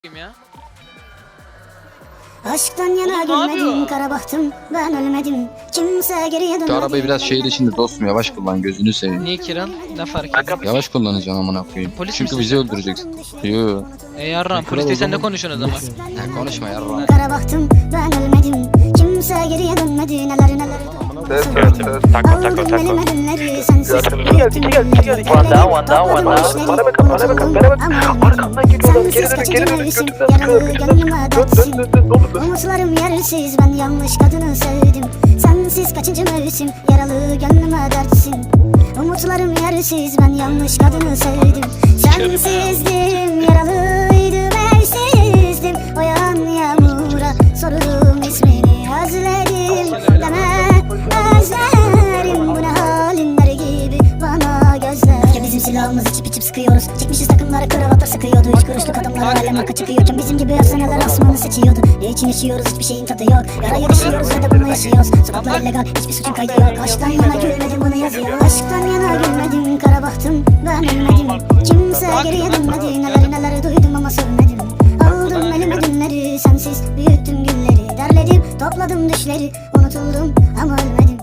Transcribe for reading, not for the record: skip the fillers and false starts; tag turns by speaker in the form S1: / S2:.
S1: ya.
S2: Aşktan yana gülmedim, kara baktım, ben ölmedim. Kimse geriye dönmedi.
S3: Şu arabayı biraz şehir içinde dostum yavaş kullan, gözünü seveyim.
S1: Niye Kiran? Ne fark ediyor?
S3: Yavaş kullanacaksın amına koyayım.
S1: Polis
S3: Çünkü
S1: misin?
S3: bizi öldüreceksin. Yo.
S1: Yarram polis sen ne konuşuyorsun o zaman?
S3: Ya konuşma yarra.
S2: Kara baktım, ben ölmedim. Kimse geriye dönmedi, neler neler. Aldım elime günleri, sensiz büyüttüm günleri.
S4: One down. Bana bakın. Arkamdan geliyorlar. Geri dönün.
S2: Yaralı gönlüme dertsin. Umutlarım yersiz, ben yanlış kadını sevdim. Sensiz kaçıncı mevsim, yaralı gönlüme dertsin. Umutlarım yersiz, ben yanlış kadını sevdim. Sensizdim, yaralıydım, evsizdim. O yağan yağmura sorurum ismini, özledim deme, özlerim. Bu ne halinler gibi bana gözler. Ya bizim silahımız içip içip sıkıyoruz. Çekmişiz takımları, kravatlar sıkıyordu. Üç kuruşluk adamlar alem arka çıkıyorken bizim gibi efsaneler asmanı seçiyordu. Ne için yaşıyoruz, hiçbir şeyin tadı yok. Yarayı düşüyoruz ve de bunu yaşıyoruz. Sokaklar illegal, hiçbir suçun kaydı yok. Aşktan yana gülmedim, bunu yazıyor. Aşktan yana gülmedim, kara baktım, ben ölmedim. Kimse geriye dönmedi, neler neler duydum ama sövmedim. Aldım elime günleri, sensiz büyüttüm gülleri. Derledim, topladım düşleri, unutuldum ama ölmedim.